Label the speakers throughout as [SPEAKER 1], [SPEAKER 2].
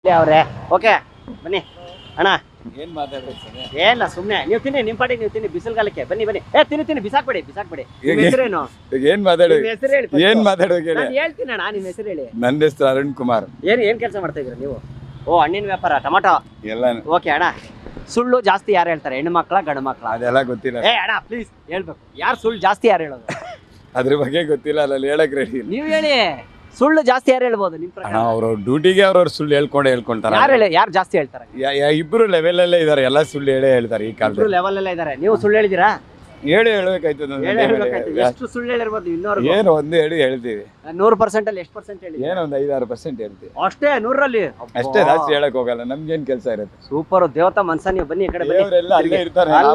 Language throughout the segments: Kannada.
[SPEAKER 1] ಅವ್ರೆ ಓಕೆ ಬನ್ನಿ ಅಣ್ಣ.
[SPEAKER 2] ಏನ್ ಮಾತಾಡ್ಬೇಕು
[SPEAKER 1] ಏನಿಲ್ಲ ಸುಮ್ಮನೆ ನೀವು ತಿನ್ನಿ, ನಿಮ್ಮ ಪಾಟಿಗೆ ನೀವು ತಿನ್ನಿ, ಬಿಸಿಲುಗಾಲಕ್ಕೆ ಬನ್ನಿ ಬನ್ನಿ. ತಿನ್ನಿ ಬಿಸಾಕ್ಬೇಡಿ. ನಿಮ್ಮ ಹೆಸರೇನು?
[SPEAKER 2] ಏನ್ ಮಾತಾಡ್ಬೇಕು
[SPEAKER 1] ನಿಮ್ಮ ಹೆಸರು ಹೇಳಿ first.
[SPEAKER 2] ಏನ್ ಮಾತಾಡ್ಬೇಕು ಹೇಳಿ.
[SPEAKER 1] ನಾನು ಹೇಳ್ತೀನಿ ಅಣ್ಣ, ನಿಮ್ಮ ಹೆಸರು ಹೇಳಿ.
[SPEAKER 2] ನನ್ನ ಹೆಸರು ಅರುಣ್ ಕುಮಾರ್.
[SPEAKER 1] ಏನ್ ಕೆಲಸ ಮಾಡ್ತಾ ಇದ್ದೀರಾ ನೀವು? ಓ ಹಣ್ಣಿನ ವ್ಯಾಪಾರ, ಟೊಮಾಟೊ
[SPEAKER 2] ಎಲ್ಲ
[SPEAKER 1] ಓಕೆ ಅಣ್ಣ. ಸುಳ್ಳು ಜಾಸ್ತಿ ಯಾರು ಹೇಳ್ತಾರೆ, ಹೆಣ್ಣು ಮಕ್ಕಳ ಗಂಡು ಮಕ್ಕಳ?
[SPEAKER 2] ಅದೆಲ್ಲ ಗೊತ್ತಿಲ್ಲ.
[SPEAKER 1] ಅಣ್ಣ ಪ್ಲೀಸ್ ಹೇಳ್ಬೇಕು, ಯಾರು ಸುಳ್ಳು ಜಾಸ್ತಿ ಯಾರು ಹೇಳೋದು?
[SPEAKER 2] ಅದ್ರ ಬಗ್ಗೆ ಗೊತ್ತಿಲ್ಲ, ಅಲ್ಲಿ ಹೇಳಕ್ ರೆಡಿ ಇಲ್ಲ.
[SPEAKER 1] ನೀವು ಹೇಳಿ, ಸುಳ್ಳು ಜಾಸ್ತಿ ಯಾರು ಹೇಳ್ಬೋದು ನಿಮ್ಮ ಪ್ರಕಾರ?
[SPEAKER 2] ಅವ್ರವ್ರ ಡ್ಯೂಟಿಗೆ ಅವ್ರವ್ರ ಸುಳ್ಳು ಹೇಳ್ಕೊಂತಾರೆ.
[SPEAKER 1] ಯಾರು ಜಾಸ್ತಿ ಹೇಳ್ತಾರೆ?
[SPEAKER 2] ಇಬ್ರು ಲೆವೆಲ್ ಅಲ್ಲೇ ಇದಾರೆ, ಎಲ್ಲ ಸುಳ್ಳು ಹೇಳ್ತಾರೆ ಈ ಕಾಲದಲ್ಲಿ.
[SPEAKER 1] ಲೆವೆಲ್ ಎಲ್ಲ ಇದ್ದಾರೆ. ನೀವು ಸುಳ್ಳು ಹೇಳಿದಿರಾ?
[SPEAKER 2] ಹೇಳ್ಬೇಕಾಯ್ತು.
[SPEAKER 1] ಎಷ್ಟು ಸುಳ್ಳು ಹೇಳಿರ್ಬೋದು ಇನ್ನೂರು?
[SPEAKER 2] ಏನು ಒಂದು ಹೇಳ್ತೀವಿ.
[SPEAKER 1] 100% ಅಲ್ಲಿ ಎಷ್ಟು ಪರ್ಸೆಂಟ್ ಹೇಳಿ?
[SPEAKER 2] ಏನೋ ಒಂದು 5-6% ಹೇಳ್ತೀವಿ
[SPEAKER 1] ಅಷ್ಟೇ. 100ರಲ್ಲಿ
[SPEAKER 2] ಅಷ್ಟೇ, ಜಾಸ್ತಿ ಹೇಳಕ್ ಹೋಗಲ್ಲ. ನಮ್ಗೇನ್ ಕೆಲಸ ಇರುತ್ತೆ.
[SPEAKER 1] ಸೂಪರ್ ದೇವತಾ ಮನ್ಸ. ನೀವು ಬನ್ನಿ ಈ ಕಡೆ ಬನ್ನಿ.
[SPEAKER 2] ದೇವರೆಲ್ಲ ಅಲ್ಲೇ ಇರ್ತಾರೆ.
[SPEAKER 1] ಅಲ್ಲ.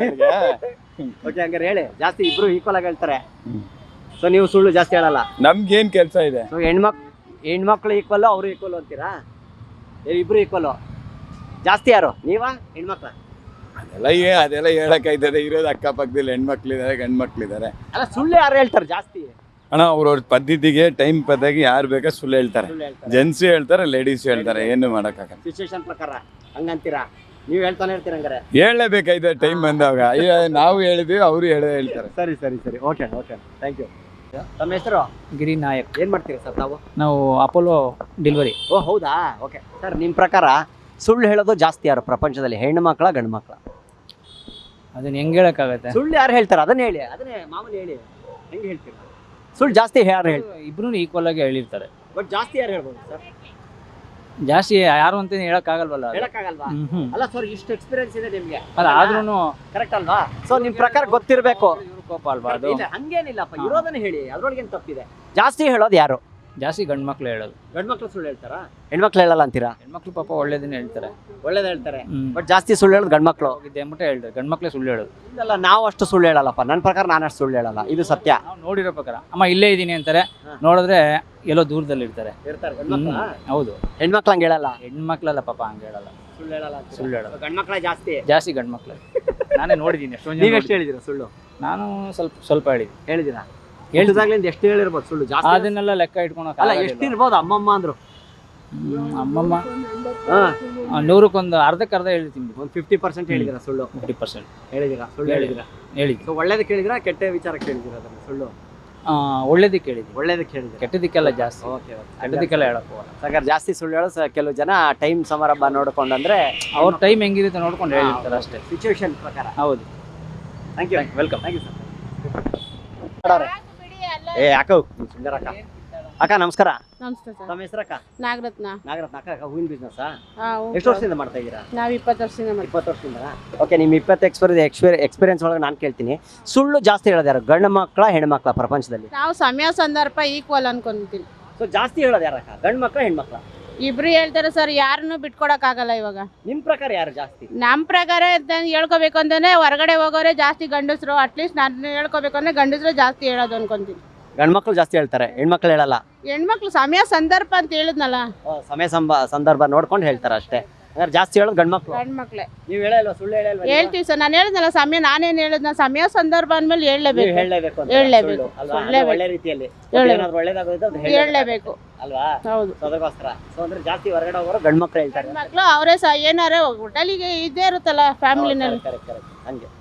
[SPEAKER 1] ಓಕೆ ಹಂಗಾರೆ ಹೇಳಿ, ಜಾಸ್ತಿ ಇಬ್ರು ಈಕ್ವಲ್ ಆಗಿ ಹೇಳ್ತಾರೆ. ಸೊ ನೀವು ಸುಳ್ಳು ಜಾಸ್ತಿ ಹೇಳಲ್ಲ.
[SPEAKER 2] ನಮ್ಗೇನ್ ಕೆಲಸ ಇದೆ?
[SPEAKER 1] ಸೊ ಹೆಣ್ಮಕ್ಳು ಈಕ್ವಲ್, ಅವರು ಈಕ್ವಲ್ ಅಂತೀರಾ? ಇಬ್ರು ಈಕ್ವಲ್. ಜಾಸ್ತಿ ಯಾರು, ನೀವಾ ಹೆಣ್ಮಕ್ಳ?
[SPEAKER 2] ಅದೆಲ್ಲ ಹೇಳಕ್ಕಾಯ್ತದೆ. ಇರೋದು ಅಕ್ಕಪಕ್ಕದಲ್ಲಿ ಹೆಣ್ಮಕ್ಳಿದಾರೆ, ಗಂಡ್ಮಕ್ಳಿದಾರೆ.
[SPEAKER 1] ಅಲ್ಲ ಸುಳ್ಳು ಯಾರು ಹೇಳ್ತಾರೆ ಜಾಸ್ತಿ?
[SPEAKER 2] ಅಣ್ಣ ಅವ್ರವ್ರ ಪದ್ಧತಿಗೆ ಟೈಮ್ ಪದ್ಧತಿಗೆ ಯಾರು ಬೇಕಾ ಸುಳ್ಳು ಹೇಳ್ತಾರೆ. ಜೆಂಟ್ಸ್ ಹೇಳ್ತಾರೆ, ಲೇಡೀಸ್ ಹೇಳ್ತಾರೆ. ಏನು ಮಾಡಕ್ಕಾಗಲ್ಲ.
[SPEAKER 1] ಸಿಚುವೇಶನ್ ಪ್ರಕಾರ ಹಂಗಂತೀರಾ? ನೀವು ಹೇಳ್ತಾನೆ ಇರ್ತೀರ ಹಂಗಾರೆ?
[SPEAKER 2] ಹೇಳಲೇಬೇಕಾಯ್ತದೆ ಟೈಮ್ ಬಂದಾಗ. ನಾವು ಹೇಳಿದ್ವಿ, ಅವರು ಹೇಳ್ತಾರೆ.
[SPEAKER 1] ಸರಿ ಓಕೆ ಥ್ಯಾಂಕ್ ಯು. ತಮ್ಮ ಹೆಸರು?
[SPEAKER 3] ಗಿರಿ ನಾಯಕ್.
[SPEAKER 1] ಏನ್ ಮಾಡ್ತೀರಾ ಸರ್ ತಾವು?
[SPEAKER 3] ನಾವು ಅಪೋಲೋ ಡೆಲಿವರಿ.
[SPEAKER 1] ಓ ಹೌದಾ, ಓಕೆ ಸರ್. ನಿಮ್ಮ ಪ್ರಕಾರ ಸುಳ್ಳು ಹೇಳೋದು ಜಾಸ್ತಿ ಯಾರು ಪ್ರಪಂಚದಲ್ಲಿ, ಹೆಣ್ಣು ಮಕ್ಕಳ ಗಂಡು ಮಕ್ಕಳ?
[SPEAKER 3] ಅದನ್ನ ಹೆಂಗ್ ಹೇಳಕ್ಕಾಗತ್ತೆ?
[SPEAKER 1] ಸುಳ್ಳು ಯಾರು ಹೇಳ್ತಾರೆ ಅದನ್ನ ಹೇಳಿ, ಅದನ್ನೇ ಮಾಮೂಲಿ ಹೇಳಿ. ಹೆಂಗೆ ಹೇಳ್ತೀರಾ? ಸುಳ್ಳು ಜಾಸ್ತಿ ಯಾರು ಹೇಳ್ತಾರೆ?
[SPEAKER 3] ಇಬ್ರು ಈಕ್ವಲ್ ಆಗಿ ಹೇಳಿರ್ತಾರೆ.
[SPEAKER 1] ಬಟ್ ಜಾಸ್ತಿ ಯಾರು ಹೇಳ್ಬೋದು ಸರ್?
[SPEAKER 3] ಜಾಸ್ತಿ ಯಾರು ಅಂತ ಹೇಳಕ್ಕಾಗಲ್ವಲ್ಲ.
[SPEAKER 1] ಹೇಳಕ್ಕಾಗಲ್ವಾ? ಅಲ್ಲ ಸರ್, ಇಷ್ಟು ಎಕ್ಸ್ಪೀರಿಯನ್ಸ್ ಇದೆ ನಿಮ್ಗೆ,
[SPEAKER 3] ಆದ್ರೂ
[SPEAKER 1] ಕರೆಕ್ಟ್ ಅಲ್ವಾ? ಸೊ ನಿಮ್ ಪ್ರಕಾರ ಗೊತ್ತಿರ್ಬೇಕು.
[SPEAKER 3] ಇವ್ರ ಕೋಪ ಅಲ್ವಾ ಅದು?
[SPEAKER 1] ಇಲ್ಲ ಹಂಗೇನಿಲ್ಲಪ್ಪ, ಇರೋದನ್ನ ಹೇಳಿ, ಅದ್ರೊಳಗೇನು ತಪ್ಪಿದೆ? ಜಾಸ್ತಿ ಹೇಳೋದು ಯಾರು?
[SPEAKER 3] ಜಾಸ್ತಿ ಗಂಡ್ ಮಕ್ಳು ಹೇಳೋದು.
[SPEAKER 1] ಗಂಡ್ ಮಕ್ಳು ಸುಳ್ಳು ಹೇಳ್ತಾರಾ? ಹೆಣ್ಮಕ್ಳು ಹೇಳಲ್ಲ ಅಂತೀರಾ?
[SPEAKER 3] ಹೆಣ್ಮಕ್ಳು ಪಾಪ ಒಳ್ಳೇದನ್ನ ಹೇಳ್ತಾರೆ,
[SPEAKER 1] ಒಳ್ಳೇದ್ ಹೇಳ್ತಾರೆ. ಬಟ್ ಜಾಸ್ತಿ ಸುಳ್ಳು ಹೇಳೋದು ಗಂಡ್ ಮಕ್ಳು.
[SPEAKER 3] ಹೋಗಿದ್ದೆ ಅಂದ್ಬಿಟ್ಟು ಹೇಳ್ತಾರೆ, ಗಂಡ್ ಮಕ್ಳೇ ಸುಳ್ಳು ಹೇಳೋದು.
[SPEAKER 1] ಇಲ್ಲ ನಾವು ಅಷ್ಟು ಸುಳ್ಳು ಹೇಳಲ್ಲಪ್ಪ. ನನ್ನ ಪ್ರಕಾರ ನಾನು ಅಷ್ಟು ಸುಳ್ಳು ಹೇಳಲ್ಲ, ಇದು ಸತ್ಯ.
[SPEAKER 3] ನಾವು ನೋಡಿರೋ ಪ್ರಕಾರ ಅಮ್ಮ ಇಲ್ಲೇ ಇದೀನಿ ಅಂತಾರೆ, ನೋಡಿದ್ರೆ ಎಲ್ಲೋ ದೂರದಲ್ಲಿ ಇರ್ತಾರೆ. ಹೌದು.
[SPEAKER 1] ಹೆಣ್ಮಕ್ಳು ಹಂಗೆ ಹೇಳಲ್ಲ.
[SPEAKER 3] ಹೆಣ್ಮಕ್ಳೆಲ್ಲ ಪಾಪ ಹಂಗೆ ಹೇಳಲ್ಲ,
[SPEAKER 1] ಸುಳ್ಳು ಹೇಳಲ್ಲ.
[SPEAKER 3] ಸುಳ್ಳು ಹೇಳೋದು
[SPEAKER 1] ಗಂಡ್ ಮಕ್ಳ
[SPEAKER 3] ಜಾಸ್ತಿ ಗಂಡ್ ಮಕ್ಳು. ನಾನೇ ನೋಡಿದ್ದೀನಿ ಎಷ್ಟೊಂದು.
[SPEAKER 1] ನೀವು ಎಷ್ಟು ಹೇಳಿದಿರ ಸುಳ್ಳು?
[SPEAKER 3] ನಾನು ಸ್ವಲ್ಪ
[SPEAKER 1] ಹೇಳಿದಿರಾ? ಹೇಳಿದಾಗ್ಲಿಂದ ಎಷ್ಟು ಹೇಳಿರ್ಬೋದು ಸುಳ್ಳು ಜಾಸ್ತಿ?
[SPEAKER 3] ಅದನ್ನೆಲ್ಲ ಲೆಕ್ಕ ಇಟ್ಕೊಳಕ್
[SPEAKER 1] ಅಲ್ಲ, ಎಷ್ಟು ಇರ್ಬೋದು? ಅಮ್ಮಮ್ಮ ಅಂದ್ರು.
[SPEAKER 3] ಅಮ್ಮಮ್ಮ 100ಕ್ಕೆ ಅರ್ಧಕ್ಕರ್ಧ ಹೇಳ್ತೀನಿ.
[SPEAKER 1] ಒಂದು 50% ಹೇಳಿದಿರಾ ಸುಳ್ಳು?
[SPEAKER 3] 50%
[SPEAKER 1] ಹೇಳಿದಿರಾ? ಸುಳ್ಳು ಹೇಳಿದಿರಾ?
[SPEAKER 3] ಹೇಳಿದ್ವಿ.
[SPEAKER 1] ಸೊ ಒಳ್ಳೇದಕ್ಕೆ ಹೇಳಿದಿರಾ, ಕೆಟ್ಟ ವಿಚಾರಕ್ಕೆ ಹೇಳಿದಿರಾ ಅದನ್ನ ಸುಳ್ಳು?
[SPEAKER 3] ಒಳ್ಳೇದಕ್ಕೆ ಹೇಳಿದ್ವಿ.
[SPEAKER 1] ಒಳ್ಳೇದಕ್ಕೆ ಹೇಳಿದಿರಾ?
[SPEAKER 3] ಕೆಟ್ಟದಕ್ಕೆಲ್ಲ ಜಾಸ್ತಿ.
[SPEAKER 1] ಓಕೆ
[SPEAKER 3] ಕೆಟ್ಟದಕ್ಕೆಲ್ಲ ಹೇಳಕ್ ಹೋಗಲ್ಲ.
[SPEAKER 1] ಸಾಕಾದ್ರೆ ಜಾಸ್ತಿ ಸುಳ್ಳು ಹೇಳೋ ಕೆಲವು ಜನ ಟೈಮ್ ಸಮಾರಂಭ ನೋಡ್ಕೊಂಡಂದ್ರೆ
[SPEAKER 3] ಅವ್ರ ಟೈಮ್ ಹೆಂಗಿರುತ್ತೆ ನೋಡ್ಕೊಂಡು ಹೇಳಿರ್ತಾರೆ ಅಷ್ಟೇ,
[SPEAKER 1] ಸಿಚುವೇಶನ್ ಪ್ರಕಾರ.
[SPEAKER 3] ಹೌದು.
[SPEAKER 1] Thank you, welcome. Thank you sir. ಅಕ್ಕ ಸುಂದರ ಅಕ್ಕ ನಮಸ್ಕಾರ.
[SPEAKER 4] ನಮಸ್ತೆ ಸರ್.
[SPEAKER 1] ತಮ್ಮ ಹೆಸರಕ್ಕ?
[SPEAKER 4] ನಾಗರತ್ನ.
[SPEAKER 1] ಅಕ್ಕ ಹೂವಿನ ಬಿಸ್ನೆಸ್
[SPEAKER 4] ಹೌದು.
[SPEAKER 1] ಎಷ್ಟು ವರ್ಷದಿಂದ ಮಾಡ್ತಾ ಇದ್ದೀರಾ?
[SPEAKER 4] ನಾವು 20 ವರ್ಷದಿಂದ ಮಾಡ್ತೀವಿ.
[SPEAKER 1] 20 ವರ್ಷದಿಂದ. ಓಕೆ, ನಿಮ್ಮ 20 ಎಕ್ಸ್ಪೀರಿಯನ್ಸ್ ಒಳಗೆ ನಾನು ಕೇಳ್ತೀನಿ, ಸುಳ್ಳು ಜಾಸ್ತಿ ಹೇಳೋದು ಯಾರು, ಗಂಡು ಮಕ್ಕಳ ಹೆಣ್ಣು ಮಕ್ಕಳ ಪ್ರಪಂಚದಲ್ಲಿ?
[SPEAKER 4] ನಾವು ಸಮಯ ಸಂದರ್ಭ ಈಕ್ವಲ್ ಅನ್ಕೊಂತೀನಿ.
[SPEAKER 1] ಸೊ ಜಾಸ್ತಿ ಹೇಳೋದು ಯಾರಕ್ಕ, ಗಂಡು ಮಕ್ಕಳ ಹೆಣ್ಮಕ್ಳ?
[SPEAKER 4] ಇಬ್ರು ಹೇಳ್ತಾರೆ ಸರ್, ಯಾರನ್ನು ಬಿಟ್ಕೊಡಕ್ ಆಗಲ್ಲ ಇವಾಗ.
[SPEAKER 1] ನಿಮ್ಮ ಪ್ರಕಾರ ಯಾರು ಜಾಸ್ತಿ?
[SPEAKER 4] ನಮ್ಮ ಪ್ರಕಾರ ಹೇಳ್ಕೋಬೇಕು ಅಂದ್ರೆ ಹೊರಗಡೆ ಹೋಗೋರೆ ಜಾಸ್ತಿ ಗಂಡಸರು. ಅಟ್ಲೀಸ್ಟ್ ನಾನು ಹೇಳ್ಕೋಬೇಕು ಅಂದ್ರೆ ಗಂಡಸರು ಜಾಸ್ತಿ ಹೇಳೋದು ಅನ್ಕೊಂತೀನಿ.
[SPEAKER 1] ಗಂಡು ಮಕ್ಕಳು ಜಾಸ್ತಿ ಹೇಳ್ತಾರೆ, ಹೆಣ್ಮಕ್ಳು ಹೇಳಲ್ಲ.
[SPEAKER 4] ಹೆಣ್ಮಕ್ಳು ಸಮಯ ಸಂದರ್ಭ ಅಂತ ಹೇಳಿದ್ನಲ್ಲ,
[SPEAKER 1] ಸಮಯ ಸಂದರ್ಭ ನೋಡ್ಕೊಂಡು ಹೇಳ್ತಾರೆ ಅಷ್ಟೇ. ಹಂಗಾರೆ ಜಾಸ್ತಿ ಹೇಳೋದು ಗಂಡು ಮಕ್ಕಳು.
[SPEAKER 4] ಗಂಡ್ಮಕ್ಳೆ.
[SPEAKER 1] ನೀವು ಹೇಳಲ್ವಾ? ಸುಳ್ಳು ಹೇಳಲ್ವಾ?
[SPEAKER 4] ಹೇಳ್ತೀವಿ ಸರ್. ನಾನು ಹೇಳಿದ್ನಲ್ಲ ಸಮಯ, ನಾನೇನು ಹೇಳಿದ್ನ ಸಮಯ ಸಂದರ್ಭ ಅಂದ್ಮೇಲೆ ಹೇಳಲೇಬೇಕು.
[SPEAKER 1] ಹೇಳಲೇಬೇಕು. ಒಳ್ಳೆ ರೀತಿಯಲ್ಲಿ
[SPEAKER 4] ಹೇಳಲೇಬೇಕು
[SPEAKER 1] ಅಲ್ವಾ?
[SPEAKER 4] ಹೌದು.
[SPEAKER 1] ಅದಕ್ಕೋಸ್ಕರ ಸೊ ಅಂದ್ರೆ ಜಾಸ್ತಿ ಹೊರಗಡೆ ಹೋಗೋರು ಗಂಡು ಮಕ್ಕಳು ಹೇಳ್ತಾರೆ.
[SPEAKER 4] ಮಕ್ಕಳು ಅವರೇ ಏನಾರ ಹೋಟೆಲಿಗೆ ಇದ್ದೇ ಇರುತ್ತಲ್ಲ ಫ್ಯಾಮಿಲಿನಲ್ಲಿ.
[SPEAKER 1] ಕರೆಕ್ಟ್ ಹಂಗೆ.